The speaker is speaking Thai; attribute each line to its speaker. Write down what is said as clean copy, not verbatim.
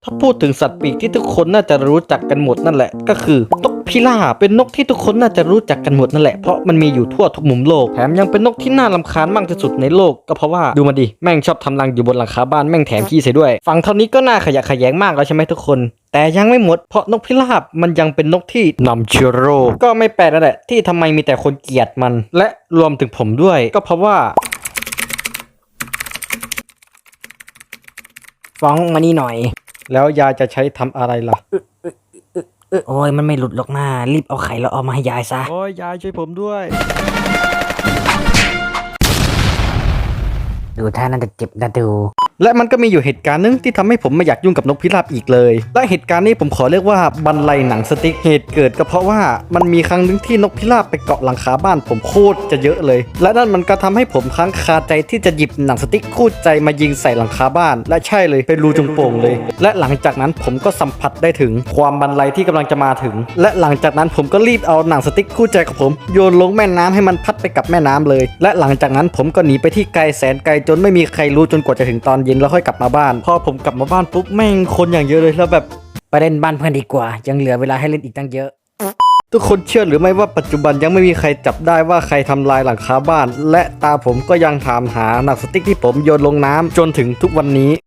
Speaker 1: ถ้าพูดถึงสัตว์ปีกที่ทุกคนน่าจะรู้จักกันหมดนั่นแหละก็คือนกพิราบเป็นนกที่ทุกคนน่าจะรู้จักกันหมดนั่นแหละเพราะมันมีอยู่ทั่วทุกมุมโลกแถมยังเป็นนกที่น่ารำคาญมากที่สุดในโลกก็เพราะว่าดูมาดิแม่งชอบทำรังอยู่บนหลังคาบ้านแม่งแถมขี้ใส่ด้วยฟังเท่านี้ก็น่าขยะแขยงมากแล้วใช่ไหมทุกคนแต่ยังไม่หมดเพราะนกพิราบมันยังเป็นนกที่นำเชื้อโรคก็ไม่แปลกนั่นแหละที่ทำไมมีแต่คนเกลียดมันและรวมถึงผมด้วยก็เพราะว่าฟ้องมานี่หน่อยแล้วยายจะใช้ทำอะไรล่ะ
Speaker 2: โอ้ยมันไม่หลุดหรอกนะรีบเอาไข่แล้วเอามาให้ยายซะ
Speaker 1: โอ้ยยายช่วยผมด้วย
Speaker 2: ดูท่าน่าจะเจ็บนะดู
Speaker 1: และมันก็มีอยู่เหตุการณ์หนึงที่ทำให้ผมไม่อยากยุ่งกับนกพิราบอีกเลยและเหตุการณ์นี้ผมขอเรียกว่าบันไลหนังสติ๊กเหตุเกิดก็เพราะว่ามันมีครั้งหนึงที่นกพิราบไปเกาะหลังคาบ้านผมโคตรจะเยอะเลยและนั่นมันก็ทำให้ผมค้างคาใจที่จะหยิบหนังสติ๊กคู่ใจมายิงใส่หลังคาบ้านและใช่เลยเป็นรูจงโป่งเลยและหลังจากนั้นผมก็สัมผัสได้ถึงความบันไลที่กำลังจะมาถึงและหลังจากนั้นผมก็รีบเอาหนังสติ๊กคู่ใจของผมโยนลงแม่น้ำให้มันพัดไปกับแม่น้ำเลยและหลังจากนั้นผมก็หนีไปที่ไกลแสนไกลจนไม่มีใครรู้จนกว่าจะถึงตอนเย็นแล้วค่อยกลับมาบ้านพอผมกลับมาบ้านปุ๊บแม่งคนอย่างเยอะเลยแล้วแบบ
Speaker 2: ไปเล่นบ้านเพื่อนดีกว่า ยังเหลือเวลาให้เล่นอีกตั้งเยอะ
Speaker 1: ทุกคนเชื่อหรือไม่ว่าปัจจุบันยังไม่มีใครจับได้ว่าใครทำลายหลังคาบ้านและตาผมก็ยังถามหาหนังสติ๊กที่ผมโยนลงน้ำจนถึงทุกวันนี้